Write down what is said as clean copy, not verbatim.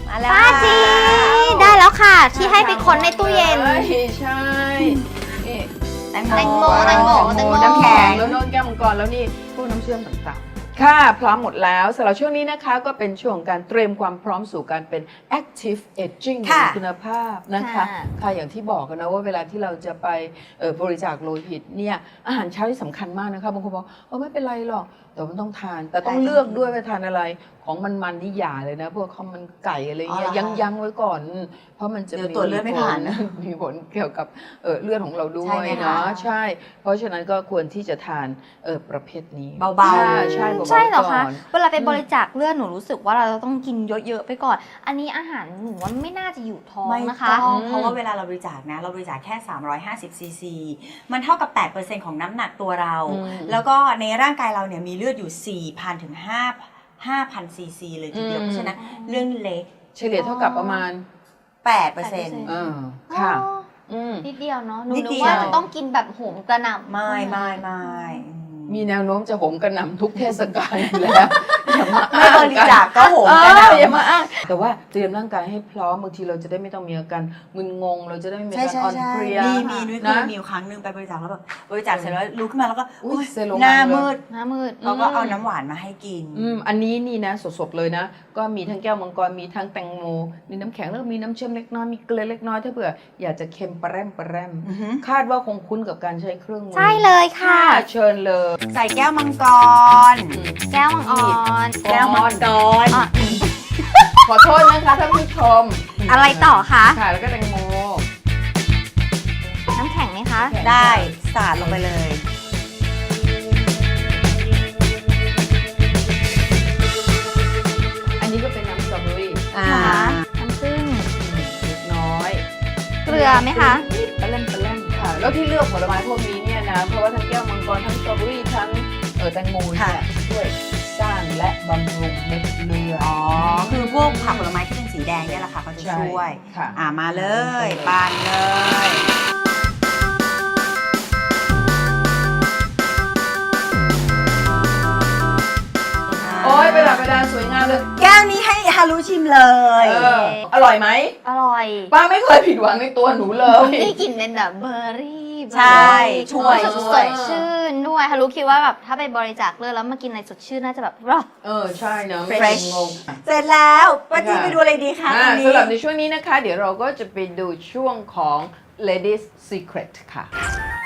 มาแล้วป้าจีได้แล้วค่ะ ที่ให้ไปค้นในตู้เย็นใช่นี่แตงโมแตงโมน้ำแข็งแล้วโน้นแก้วมังกรแล้วนี่พวกน้ำเชื่อมต่างๆค่ะพร้อมหมดแล้วสำหรับช่วงนี้นะคะก็เป็นช่วงของการเตรียมความพร้อมสู่การเป็น active aging ค่ะมีคุณภาพนะคะค่ะอย่างที่บอกกันนะว่าเวลาที่เราจะไปบริจาคโลหิตเนี่ยอาหารเช้าที่สำคัญมากนะคะบางคนบอกไม่เป็นไรหรอกแต่มันต้องทานแต่ต้องเลือกด้วยว่าทานอะไรของมันนี่อย่าเลยนะพวกข้าวมันไก่อะไรเงี้ยยั้งไว้ก่อน เพราะมันจะเดี๋ยวตรวจเลือดไม่ผ่านนะมีผลเกี่ยวกับเลือดของเราด้วใช่ยไหมคะเนาะใช่ เพราะฉะนั้นก็ควรที่จะทานประเภทนี้เบาๆใช่เบาๆใช่เหรอคะก่นเวลาไปบริจาคเลือดหนูรู้สึกว่าเราต้องกินเยอะๆไปก่อน อันนี้อาหารหนูว่าไม่น่าจะอยู่ท้องไม่นะคะต้องเพราะว่าเวลาเราบริจาคนะเราบริจาคแค่350ซีซีมันเท่ากับ 8% ของน้ำหนักตัวเรา แล้วก็ในร่างกายเราเนี่ยมีเลือดอยู่ 4,000 ถึง 5,000 ซีซีเลยทีเดียวเพราะฉะนั้นเรื่องเล็กเฉลี่ยเท่ากับประมาณ 8% ค่ะอ๋อนิดเดียวเนาะหนูนิดนึเดีกยวว่าจะต้องกินแบบโหมกระหน่ำไม่มีแนวโน้มจะโหมกระหน่ำทุกเทศกาลอยู่แล้วอย่ามาไม่บริจาคก็โหมกันอย่ามาอ้างแต่ว่าเตรียมร่างกายให้พร้อมบางทีเราจะได้ไม่ต้องมีอาการมึนงงเราจะได้ไม่มีอาการอ่อนเพลียมีนุ้ยเคนะยมีอยู่ครั้งหนึ่งไปบริจาคแล้วแบบบริจาคเสร็จแล้วลุกขึ้นมาแล้วก็อุ๊ยเซลล์หน้าลงมาเลยมืดหน้ามืดเขาก็เอาน้ำหวานมาให้กินอันนี้นี่นะสดๆเลยนะก็มีทั้งแก้วมังกรมีทั้งแตงโมมีน้ำแข็งแล้วก็มีน้ำเชื่อมเล็กน้อยมีเกลือเล็กน้อยถ้าเผื่ออยากจะเค็มปะแรมอือฮึคาดว่าคงคุ้นกับการใช้เครื่องมือใช่เลยค่ะเชิญเลยใส่แก้วมังกรแก้วมังอ่อนแก้วมังกรอ่ะขอโทษนะคะท่านผู้ชมอะไรต่อคะค่ะแล้วก็แตงโมน้ำแข็งไหมคะได้สาดลงไปเลยอันนี้ก็เป็นน้ำสตรอเบอรี่ค่ะน้ำผึ้งเล็กน้อยเกลือไหมคะปะแรมค่ะแล้วที่เลือกผลไม้พวกนี้เนี่ยนะเพราะว่าทั้งแก้วมังกรทั้งสตรอเบอรี่ทั้งแตงโมเนี่ยช่วยสร้างและบำรุงเม็ดเลือดอ๋อ คือพวกผักผลไม้ที่เป็นสีแดงเนี่ยแหละค่ะเขาจะช่วยค่ะมาเลยปานเลยโอ้ยประดับประดาสวยงามเลยแก้วนี้ให้ฮารุชิมเลยอร่อยไหมอร่อยป้าไม่เคยผิดหวังในตัวหนูเลยนี่กลิ่นเป็นแบบเบอร์รี่ใช่ช่วยสดชื่นด้วยฮารุคิดว่าแบบถ้าไปบริจาคเลือดแล้วมากินอะไรสดชื่นน่าจะแบบรอใช่เนอะไม่ Fresh งงเสร็จแล้วป้าจีไปดูอะไรดีคะตอนนี้สำหรับในช่วงนี้นะคะ เดี๋ยวเราก็จะไปดูช่วงของ Ladies Secret ค่ะ